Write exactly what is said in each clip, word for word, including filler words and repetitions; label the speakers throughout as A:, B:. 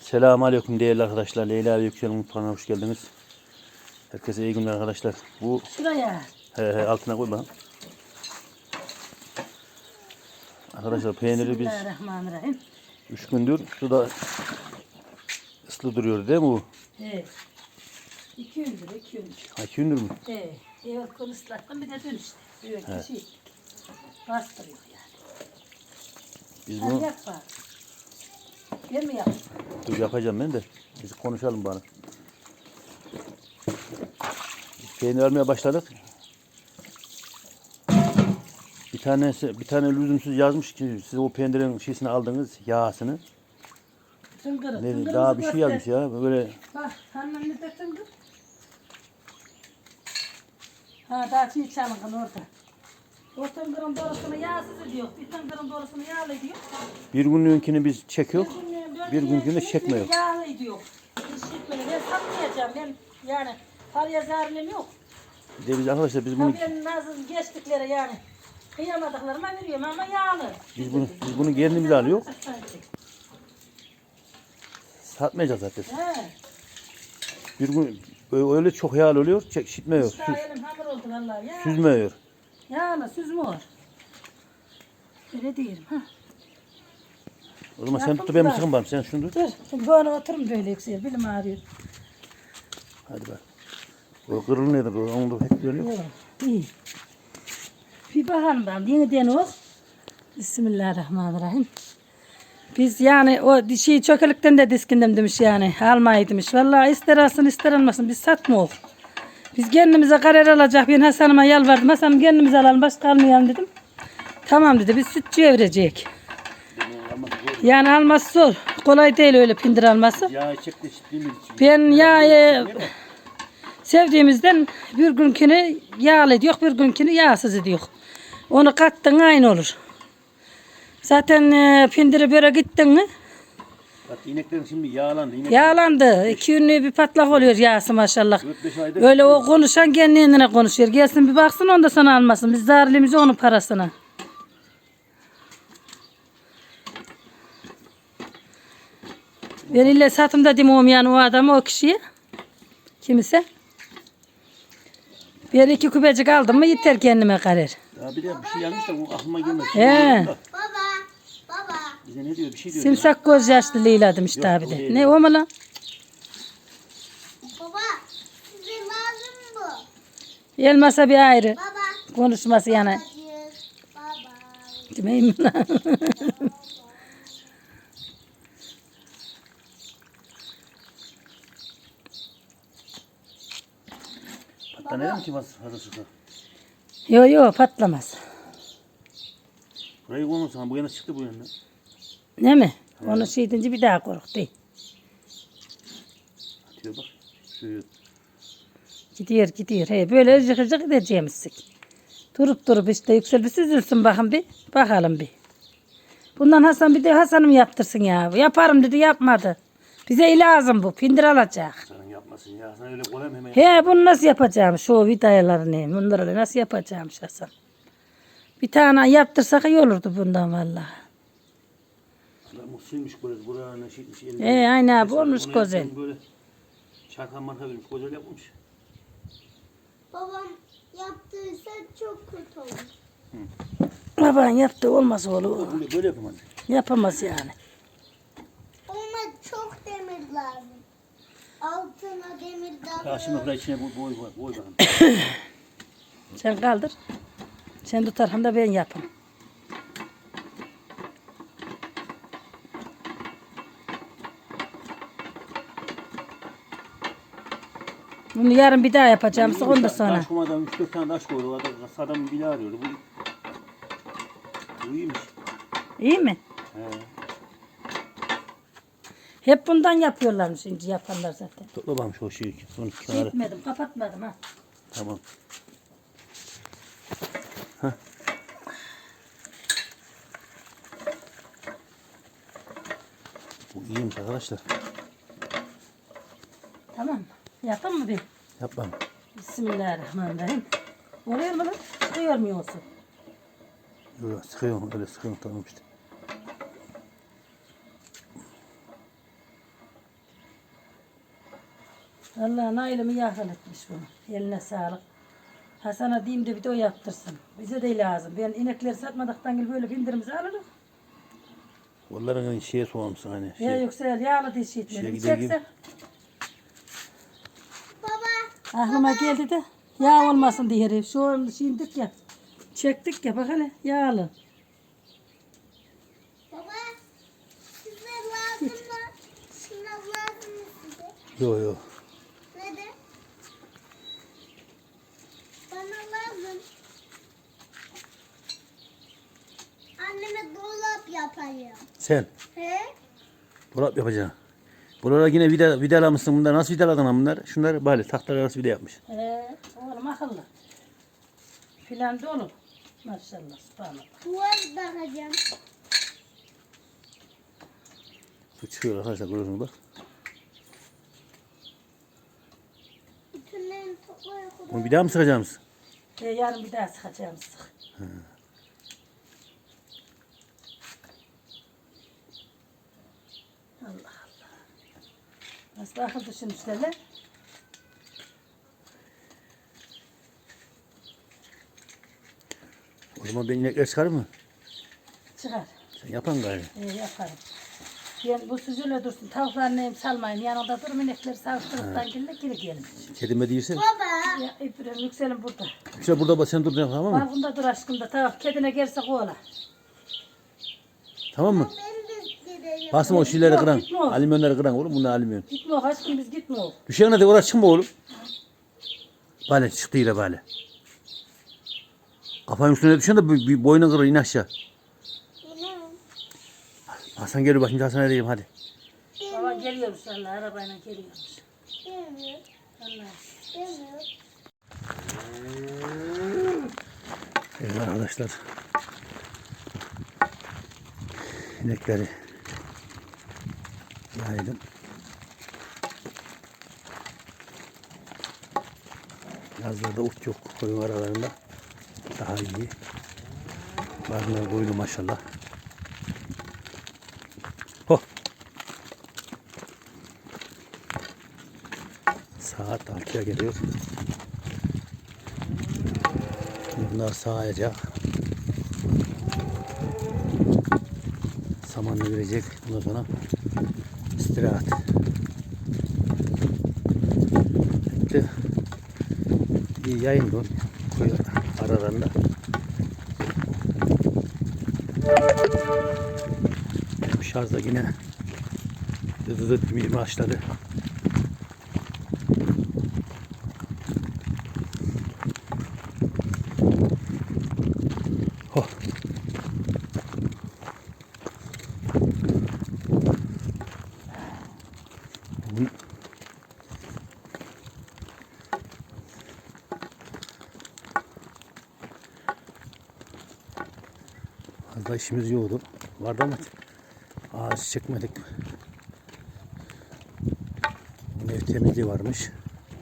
A: Selamünaleyküm değerli arkadaşlar. Leyla ve Yüksel'in mutfağına hoş geldiniz. Herkese iyi günler arkadaşlar. Bu
B: Şuraya.
A: he, he, altına koy bakalım. Arkadaşlar peyniri biz
B: Bismillahirrahmanirrahim.
A: üç gündür suda ıslı duruyor değil mi bu?
B: Evet. İki gündür, iki gündür.
A: Ha, iki gündür mü?
B: Evet. Evet, konuşlattım bir de dün işte. Böyle
A: Evet.
B: kişi bastırıyor yani.
A: Biz
B: Hadi
A: bunu
B: yap bari. Ben mi yapayım?
A: dur yapacağım ben de. Biz konuşalım bana. Peynir almaya başladık. Bir tanesi bir tane lüzumsuz yazmış ki siz o peynirin şişini aldınız, yağsını.
B: Tıngırı.
A: Ne,
B: Tıngırımızı
A: daha bir şey
B: göster.
A: yazmış ya böyle.
B: Bak, annemle de tıngır. Ha, daha çiğ çalınkın orada. O tıngırın doğrusunu yağsız ediyor. Bir tıngırın doğrusunu yağlı ediyor.
A: Bir günlüğünkini biz çekiyor.
B: günlüğün
A: Bir günkünü
B: dördüncü
A: çekmiyor.
B: Yağlı ediyor. Hiç çekmiyor. Ben satmayacağım. Ben yani paraya zararım yok.
A: Bir de biz arkadaşlar biz bunu
B: Ha, ben nasıl geçtiklere yani kıyamadıklarıma veriyorum ama yağlı.
A: biz bunu biz bunu kendimize alıyor. Satmayacağız zaten.
B: He.
A: Bir gün öyle çok yağlı oluyor, çek şitmiyor,
B: İşte
A: süz,
B: elim hamur oldu vallahi ya.
A: süzmüyor.
B: Yağlı süzmüyor. Öyle diyelim ha.
A: O zaman sen
B: Yapın
A: tut da ben mi
B: da.
A: sıkın bana, sen şunu tut.
B: Dur. Şimdi böyle oturun böyle yüksel. Bilim ağrıyor.
A: Hadi bak. O kırıl nedir? O onu da pek görüyor.
B: Yok. İyi. Bir bakalım ben. Yeniden o. Bismillahirrahmanirrahim. Biz yani o dişi çökelikten de diskindim demiş yani. Almayı demiş. Vallahi ister alsın ister almasın. Biz satmıyoruz. Biz kendimize karar alacak. Ben Hasan'ıma yalvardım. Hasan'ım kendimize alalım. Başka almayalım dedim. Tamam dedi. Biz sütçüye verecek. Yani alması zor. Kolay değil öyle pindir alması.
A: Ya çekti şitliğimiz için.
B: Ben yağı sevdiğimizden bir günkünü yağlı ediyor, bir günkünü yağsız ediyor. Onu kattın aynı olur. Zaten e, pindiri böyle gittin mi
A: Bak ineklerin şimdi yağlandı. İnek
B: yağlandı. İki günlüğü bir patlak oluyor yağsı maşallah.
A: dört beş aydır
B: Öyle o konuşan kendine konuşuyor. Gelsin bir baksın onda sana almasın. Biz zararlıyız onun parasına. Ben ille satımda demem yani o adamı o kişiye. Kimse. Bir iki küpecik aldım mı yeter kendime karar.
A: Ya bir de bir şey yazmış da bu aklıma gelmedi.
B: He.
C: Baba, baba.
A: Bize ne diyor? Bir şey diyor.
B: Simsak göz yaşlı Leyla demiş
A: Yok,
B: abi
A: o
B: de.
A: değil.
B: Ne o mu lan?
C: Baba, size lazım bu.
B: Elmasa bir ayrı.
C: Baba.
B: Konuşması yani.
C: Babacık, baba.
B: Demeyeyim mi lan?
A: Patlanıyor mu ki fazla sıkı?
B: Yo yo patlamaz.
A: Burayı koymasana. Bu yana çıktı bu yana.
B: Ne mi? Onu şey deyince bir daha korktu.
A: Atıyor bak. Şu
B: Gidiyor gidiyor. He, böyle cıkır cıkır gideceğimizsik. Durup durup işte yüksel bir süzülsün bakın bir. Bakalım bir. Bundan Hasan bir de Hasan'ım yaptırsın ya. Yaparım dedi yapmadı. Bize lazım bu. Pindir alacak.
A: sana yapmasın ya. Sana öyle kolay mı hemen?
B: He bunu nasıl yapacağım? Şu vidayalarını. Bunları nasıl yapacağım Hasan? Bir tane yaptırsak iyi olurdu bundan vallahi.
A: Adam silmiş böyle buranın şitmiş elini.
B: He aynı abi
A: Mesela
B: olmuş
A: onu
B: güzel.
A: yapsan Böyle çarkan marka vermiş. Güzel yapmış.
C: Babam yaptıysa çok kötü olur.
B: Baban yaptı olmaz oğlum.
A: Böyle, böyle yapamaz.
B: Yapamaz yani.
C: Ona çok demir lazım. Altına demir daha
A: Ya şimdi buraya içine boy boy boy, boy bakalım.
B: Sen kaldır. Sen tutarsan da ben yapayım. Bunu yarın bir daha yapacağım. Onu da sonra.
A: Taş kumadan üç dört tane taş koydu. Adam, adam bile arıyordu. Bu, bu iyiymiş.
B: İyi mi?
A: He.
B: Hep bundan yapıyorlarmış şimdi yapanlar zaten.
A: Topla bakalım şu şeyi. Son iki kenara.
B: Gitmedim, kapatmadım ha.
A: Tamam. Bu iyiymiş arkadaşlar.
B: Tamam mı? Yapın mı bir?
A: Yap bakalım.
B: Bismillahirrahmanirrahim. Oluyor mu lan? Çıkıyor mu olsun?
A: Yok sıkıyorum öyle sıkıyorum tamam işte.
B: Allah Nail'imi yakın etmiş bunu. Eline sağlık. Hasan'a diyeyim de bir de o yaptırsın. Bize de lazım. Ben inekleri satmadıktan gibi böyle bindirimizi alırım.
A: Onların şeye soğumsun hani. Şey,
B: Ya yoksa yağlı diye şey
A: şeye
B: etmedim.
A: gider gibi.
B: Çekse.
C: Baba.
B: Aklıma geldi de yağ olmasın diye herif. Şu an şimdik ya. Çektik ya bak hele yağlı.
C: Baba. Size lazım mı? Şuna lazım mı size?
A: Yok yok.
C: Neden? Bana lazım. Anneme dolap yapayım.
A: Sen
C: He?
A: dolap yapacaksın. Buralara yine vida, vidalamışsın bunlar. Nasıl vidaladın lan bunlar? Şunlar böyle tahtalar arası vida yapmış.
B: He, oğlum akıllı. Filan da olur. Maşallah, subhanallah.
C: Duvar bakacağım.
A: Su çıkıyor arkadaşlar görüyorsunuz bak.
C: Bütünlerini toplayıp
A: Bunu bir daha mı sıkacağız?
B: E, yarın bir daha sıkacağım sık. Allah Allah. Nasıl akıl düşünmüşler lan?
A: O zaman ben inekler çıkar mı?
B: Çıkar.
A: Sen yapan galiba.
B: E, yaparım. Ben bu süzüle dursun. Tavuklarını neyim salmayın. Yanında durun inekleri savuşturuktan gelince geri gelin.
A: Kedime değilse.
C: Baba.
B: Ya İbrahim yükselin burada.
A: İşte burada bak sen duracaksın tamam mı?
B: Balkonda dur aşkım da tavuk kedine gelse kovala.
A: Tamam mı?
C: Ben de gideceğim.
A: Basma o şeyleri
B: Yok,
A: kıran.
B: gitme oğlum.
A: Alüminyonları kıran oğlum bunlar alüminyon.
B: Gitme o aşkım biz gitme o.
A: Düşene de oraya çıkma oğlum. Böyle çıktı yine böyle. Kafanın üstüne düşen de bir, bir boynun kırır in aşağı.
C: Yine.
A: Hasan geliyor bak şimdi Hasan'a diyeyim hadi.
B: Baba geliyormuş Allah arabayla geliyormuş.
C: Demiyor.
B: Allah.
C: Demiyor.
A: Evet arkadaşlar. İnekleri yaydım. Yazlarda ot yok koyun aralarında. Daha iyi. Bazıları boylu maşallah. Ho. Saat altıya geliyor. Bunlar sağacak. Samanını verecek. Bundan sonra istirahat. Bitti. Bir yayın dur. Koy aralarında. Benim şarj da yine dı dı dı başladı. Oh. Bugün fazla işimiz yoktu. Vardı ama ağaç çekmedik. Ev temizliği varmış.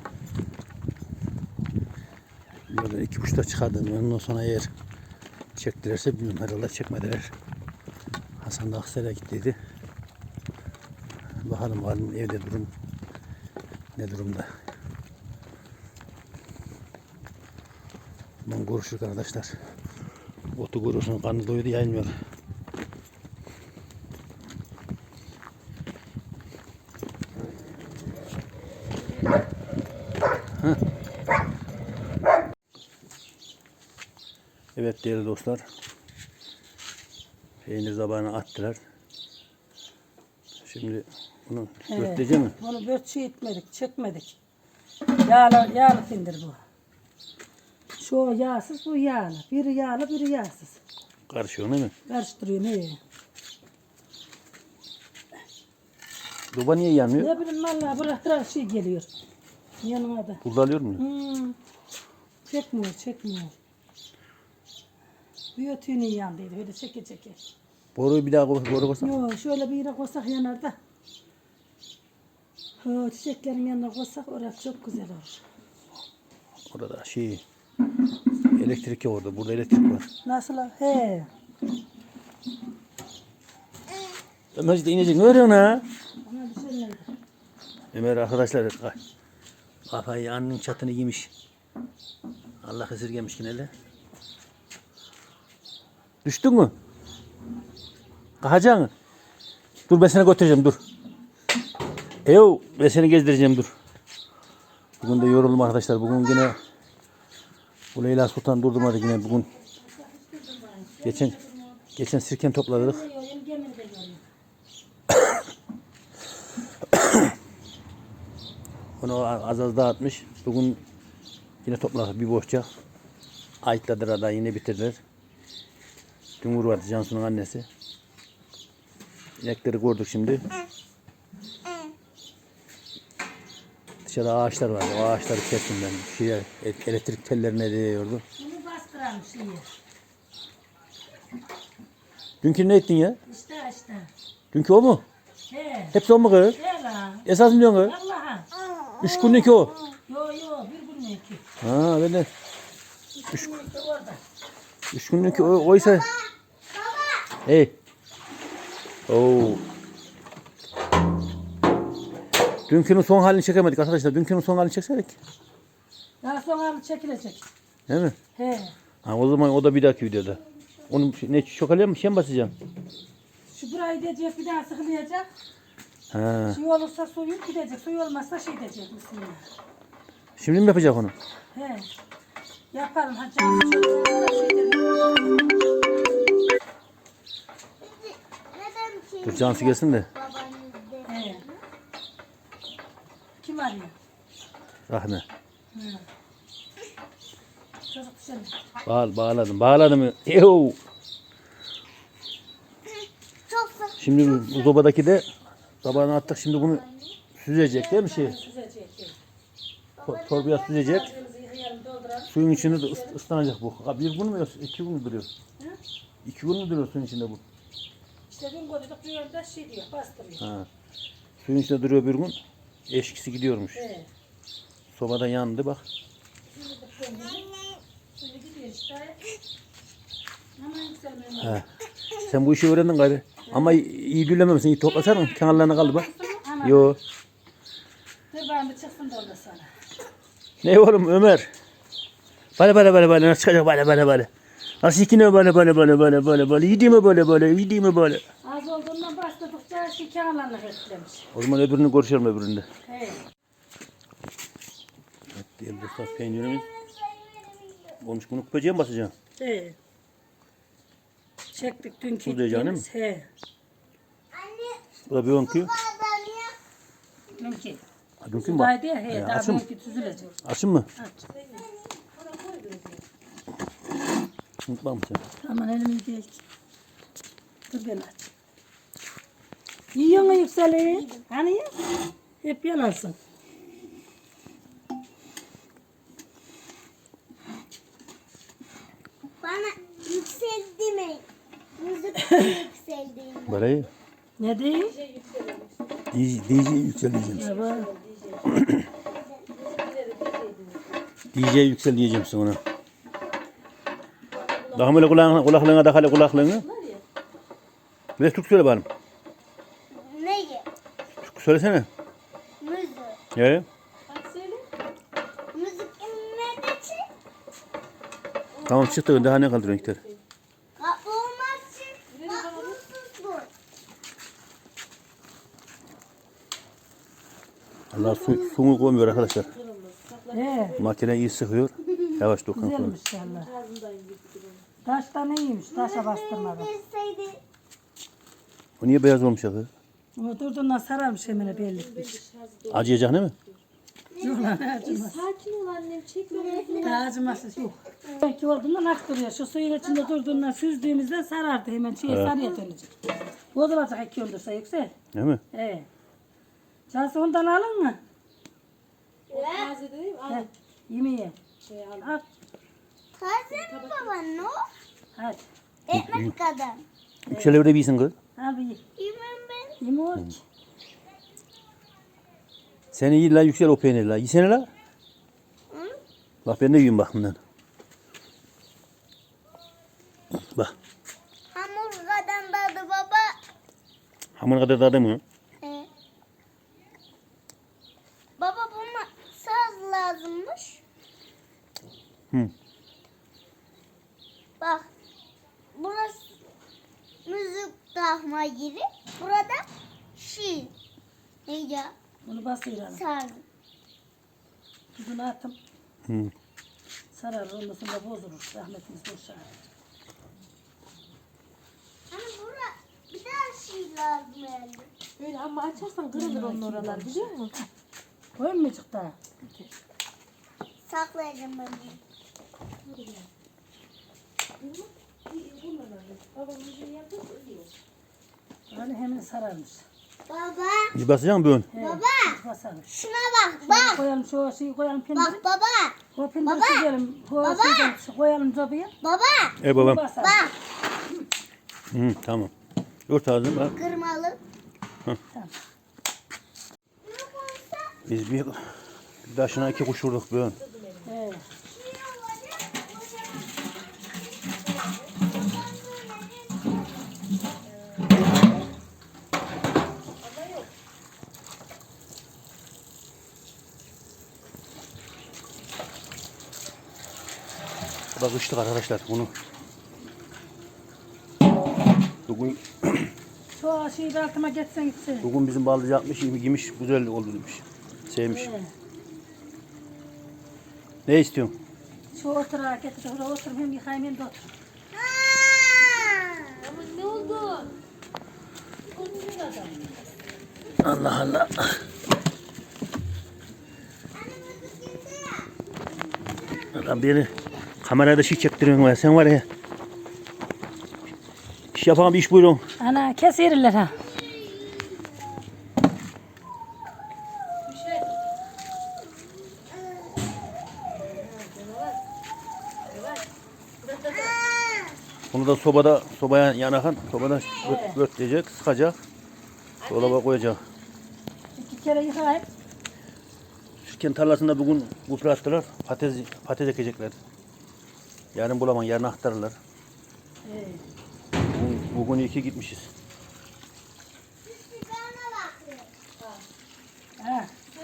A: Böyle iki buçukta çıkardım. Ondan sonra eğer çektilerse bilmiyorum herhalde çekmediler. Hasan da Aksaray'a gittiydi. Bakalım bakalım evde durum ne durumda. Ben görüşürük arkadaşlar. Otu görüyorsun karnı doydu yayılmıyor. Heh. Evet değerli dostlar. Peynir zabağını attılar. Şimdi bunu
B: Evet.
A: börtleyecek mi?
B: Onu börtçü etmedik, çekmedik. Yağlı, yağlı findir bu. Şu yağsız, bu yağlı. Biri yağlı, biri yağsız.
A: Karışıyor değil mi?
B: Karıştırıyor ne?
A: Duba niye yanmıyor?
B: Ne bileyim vallahi bırak bırak şey geliyor. Yanıma da.
A: Burada alıyor mu?
B: Hmm. Çekmiyor, çekmiyor. Bir ötüğünün yandıydı, böyle çeke çeke.
A: Boruyu bir daha koy, boru koysan.
B: Yok, şöyle bir yere koysak yanar da. Ha, çiçeklerin yanına koysak orası çok güzel olur.
A: Orada şey elektrik yok orada. Burada elektrik var.
B: Nasıl? He.
A: Ömer işte inecek. Ne örüyorsun ha?
B: Ona bir şey neydi?
A: Ömer arkadaşlar Kafayı annenin çatını giymiş. Allah esirgemiş yine de. Düştün mü? Kalkacaksın. Dur ben seni götüreceğim dur. Eyo ben seni gezdireceğim dur. Bugün de yoruldum arkadaşlar. Bugün yine bu Leyla Sultan durdurmadı yine bugün. Geçen geçen sirken topladık. Onu az az dağıtmış. Bugün yine topladık bir boşça. Ayıtladılar da yine bitirdiler. Dün vardı Cansu'nun annesi. İnekleri gördük şimdi. Dışarıda ağaçlar vardı. O ağaçları kestim ben. Şeye, elektrik tellerine değiyordu.
B: Bunu bastıralmış iyi.
A: Dünkü ne ettin ya?
B: İşte işte.
A: Dünkü o mu?
B: He.
A: Hepsi o mu kız?
B: He la.
A: Esas mı diyorsun kız?
B: Allah'a.
A: Üç günlük o.
B: Yo yo bir gün iki.
A: Ha ben de.
B: Üç gün iki orada.
A: Üç günlük o, oysa. Hey. Oo. Dünkünün son halini çekemedik arkadaşlar. Dünkünün son halini çekseydik.
B: Daha sonra çekilecek.
A: Değil mi?
B: He.
A: Ha, o zaman o da bir dahaki videoda. Onu ne çokalaya mı şey mi basacağım?
B: Şu burayı diyecek bir daha sıkılayacak.
A: Ha.
B: Suyu olursa suyu gidecek. Suyu olmazsa şey diyecek misin?
A: Şimdi mi yapacak onu?
B: He. Yaparım. Ha canım çok da şey derim.
C: Neden şey
A: Dur Cansu gelsin de.
C: babanızda?
B: He. Kim arıyor?
A: Rahme.
B: He. Çocuk dışarı.
A: Bağ, bağladım. Bağladım. Eyo.
C: Çok sık.
A: Şimdi bu sobadaki de tabağına attık. Şimdi bunu süzecek değil mi şey?
B: Süzecek.
A: To- Torbaya süzecek.
B: Ağzımızı yıkayalım, dolduralım.
A: Suyun içinde de ıs- ıslanacak bu. Ha, bir gün mü yoksa iki gün mü duruyor?
B: Hı?
A: İki gün mü duruyor suyun içinde bu?
B: İşte gün koyduk bir yerde şey diyor, bastırıyor.
A: Ha. Suyun içinde duruyor bir gün. Eşkisi gidiyormuş.
B: He.
A: Sobada yandı bak.
B: Suyu gidiyor işte. Aman yükselmeyin.
A: He. Sen bu işi öğrendin gari. Ama iyi dülememişsin. İyi toplasana mı? Kenarlarına kaldı bak.
B: Ana.
A: Yo.
B: Dur ben bir çıksın da orada sana.
A: Ne oğlum Ömer? Böyle böyle böyle böyle nasıl çıkacak böyle böyle böyle. Nasıl ikine böyle böyle böyle böyle böyle böyle. Yedi mi böyle böyle yedi mi böyle.
B: Az olduğundan bastırdıkça şey kenarlarına etkilemiş.
A: O zaman öbürünü görüşelim öbüründe.
B: He.
A: Evet diyelim dostlar peynirimiz. Olmuş bunu kupacıya mı basacağım?
B: He. Çektik dünkü
A: Tuz diyeceksin
B: ektiğimiz. He.
C: Anne
A: Bu da bir onki.
C: bağlanıyor.
B: Dünkü.
A: Ha, dünkü mü bak?
B: Sudaydı ya he.
A: He,
B: Daha
A: açın mı?
B: dünkü süzülecek.
A: Açın mı?
B: Aç.
A: Unutma mı sen?
B: Aman elimi değil. Dur ben aç. Yiyor mu yükseli? Hani ya? Hep yalansın.
C: Bana yükseldi mi? Müzik yükseldi.
A: Böyle iyi.
B: Ne değil?
A: D J, D J yüksel diyeceğim.
B: Ya bak.
A: D J yüksel diyeceğim sana ona. Daha böyle kulağına, kulaklığına da hale kulaklığını. Bir de Türk söyle bana.
C: Neyi?
A: Türk söylesene.
C: Müzik.
A: He?
C: Müzik nerede çık?
A: Tamam çıktı. Daha ne kaldı renkler?
C: Kapı olmaz çık. Kapısız bu.
A: Allah su, suyunu koymuyor arkadaşlar.
B: He.
A: Makine iyi sıkıyor. Yavaş dokun sonra.
B: Güzelmiş inşallah. Taştan iyiymiş. Taşa bastırmadı.
C: Yükseldi.
A: O niye beyaz olmuş ya kız?
B: O durduğundan sararmış hemen bellikmiş.
A: Acıyacak değil mi?
B: Yok lan acımaz.
D: Sakin ol annem, çekme beni.
B: Daha acımasız yok. Belki olduğundan aktırıyor. Şu suyun içinde durduğundan süzdüğümüzde sarardı hemen. Şeye sarıya dönecek. Bozulacak iki öldürse yüksel.
A: Değil mi?
B: He. Cansu ondan alın mı?
D: Taze değil mi? Al.
B: He. Yemeğe.
D: Şey al.
B: Al.
C: Taze mi baba ne o?
B: Hadi.
C: Ekmek kadar.
A: Yüksel evde bilsin kız.
B: Al bir ye.
C: Yemem ben.
B: Yemiyor ki.
A: Seni iyi la yüksel o peynir la. Yesene la.
C: Hı?
A: Bak ben de yiyeyim bak bundan. Bak.
C: Hamur kadar dadı baba.
A: Hamur kadar tadı mı?
C: He. Baba bunu sazlı lazımmış.
A: Hı.
C: Bak. Burası müzik takma yeri. Burada şiir. Neydi ya?
B: Bunu basıyor hanım.
C: Sardım.
B: Tuzunu atım.
A: Hı.
B: Sarar ondan sonra bozulur. Rahmetimiz boşa.
C: Hani burada bir daha şiir lazım herhalde.
D: Böyle ama açarsan kırılır onun oralar biliyor musun?
B: Koymayacak daha.
C: Saklayacağım ben bunu.
B: Yani hemen sararmış.
C: Baba.
A: Bir basacağım bugün.
B: He,
C: Baba.
B: basarmış.
C: Şuna bak. Bak.
B: Koyalım şu şeyi koyalım pindiri.
C: Bak baba.
B: O pindiri
C: Baba.
B: süzelim. O
C: Baba.
B: şeyden koyalım cobaya.
C: Baba.
A: E babam.
B: Basar.
C: Bak.
A: Hı, tamam. Ört ağzını bak.
C: Kırmalı.
B: Tamam.
C: Ne koysa?
A: Biz bir taşına iki kuş vurduk bugün.
B: He.
A: Bu da kışlık arkadaşlar bunu. Bugün
B: Şu şeyi de altıma geçsen gitsin.
A: bugün bizim balıcı yapmış, yemiş, güzel oldu demiş. Sevmiş.
B: He.
A: Ne istiyorsun?
B: Şu oturağa getir. Oraya otur hem yıkayayım hem de otur.
D: Ama ne oldu?
A: Allah Allah. Adam beni kamerada şey çektiriyorsun var. Sen var ya. İş yapan bir iş buyurun.
B: Ana kes yeriler ha.
A: Bunu da sobada, sobaya yanakan, sobada götleyecek, sıkacak. Dolaba koyacak.
B: İki kere yıkayayım.
A: Şirken tarlasında bugün gübre attılar. Patates, patates ekecekler. Yarın bulamam, yarın aktarırlar.
B: He.
A: Bugün, bugün iyi ki gitmişiz.
B: Ha.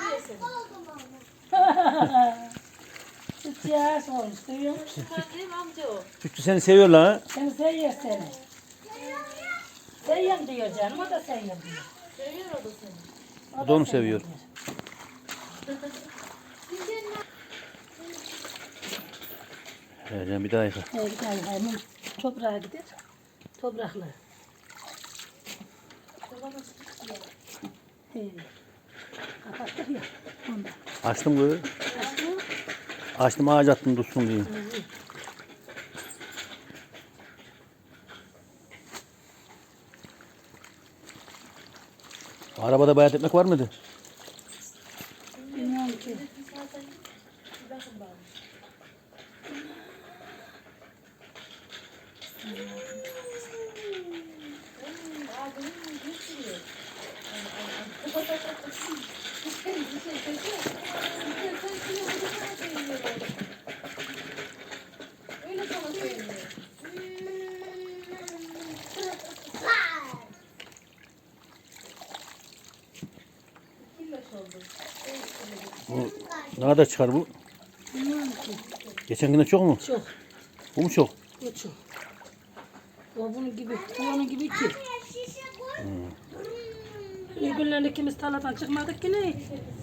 B: Süt yaş olmuş duyuyor musun?
D: Annem amca o.
A: Sütçü seni seviyorlar ha.
B: Seni seviyor seni. Seviyorum diyor canım, o da seviyor diyor.
D: Seviyor o da seni.
A: O da onu seviyor.
B: diyor.
A: Vereceğim bir daha yıka.
B: Evet, hayır, hayır. Toprağa gider. Topraklı. He. Kapattık ya. Ondan.
A: Açtım böyle. Açtım ağaç attım dursun diye. Arabada bayat ekmek var mıydı?
B: Bilmiyorum ki.
D: Öyle sana söylüyor.
A: Bu ne kadar çıkar bu?
B: Bilmiyorum ki.
A: Geçen güne çok mu?
B: Çok.
A: Bu mu çok?
B: O çok. O bunun gibi. Bu onun gibi iki.
C: Şişe koy.
B: Ne günler ikimiz tarladan çıkmadık ki ne?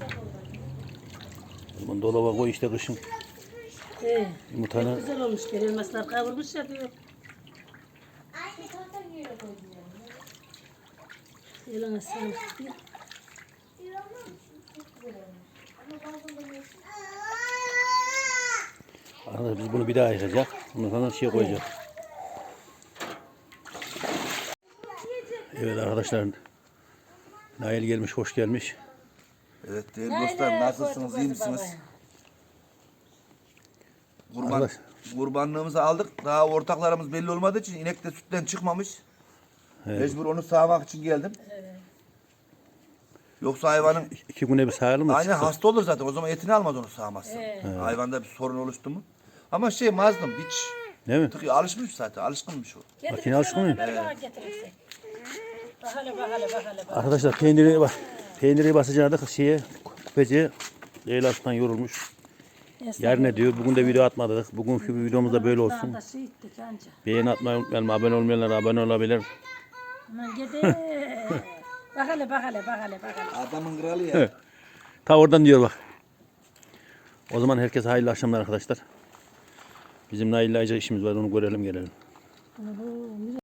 A: Bunu dolaba koy işte kışın.
B: He.
A: Yumurtanı
B: Güzel olmuş. Elmaslar kavrulmuş ya diyor.
C: Anne zaten yere koydum.
B: Eline sağlık.
A: Arkadaşlar biz bunu bir daha yıkayacak. Ondan sonra şey koyacak. Evet arkadaşlar. Nail gelmiş, hoş gelmiş.
E: Evet değerli dostlar, nasılsınız, iyi misiniz? Kurban,
A: Arkadaş.
E: kurbanlığımızı aldık. Daha ortaklarımız belli olmadığı için inek de sütten çıkmamış.
A: Evet.
E: Mecbur onu sağmak için geldim. Yoksa hayvanın
A: İki güne bir sayalım mı?
E: aynen
A: Çıktı.
E: hasta olur zaten. O zaman etini almaz onu sağmazsa. Hayvanda bir sorun oluştu mu? Ama şey mazlum hiç
A: Değil mi?
E: tıkıyor, alışmış zaten, alışkınmış o.
A: Makine alışkın mıyım?
B: Getirirsin. Bakalım bakalım bakalım.
A: Arkadaşlar peyniri bak. Peyniri basacaktık şeye, kupeciye. Leyla Aslan yorulmuş. Yarın ne diyor? Bugün de video atmadık. Bugünkü videomuz da böyle olsun.
B: Da şey ettik anca.
A: Beğeni atmayı unutmayalım. Abone olmayanlar abone olabilir.
B: Aman gidi. Bak hele bak hele bak hele bak hele.
E: Adamın kralı ya.
A: Ta oradan diyor bak. O zaman herkese hayırlı akşamlar arkadaşlar. Bizim Nail'le işimiz var. Onu görelim gelelim.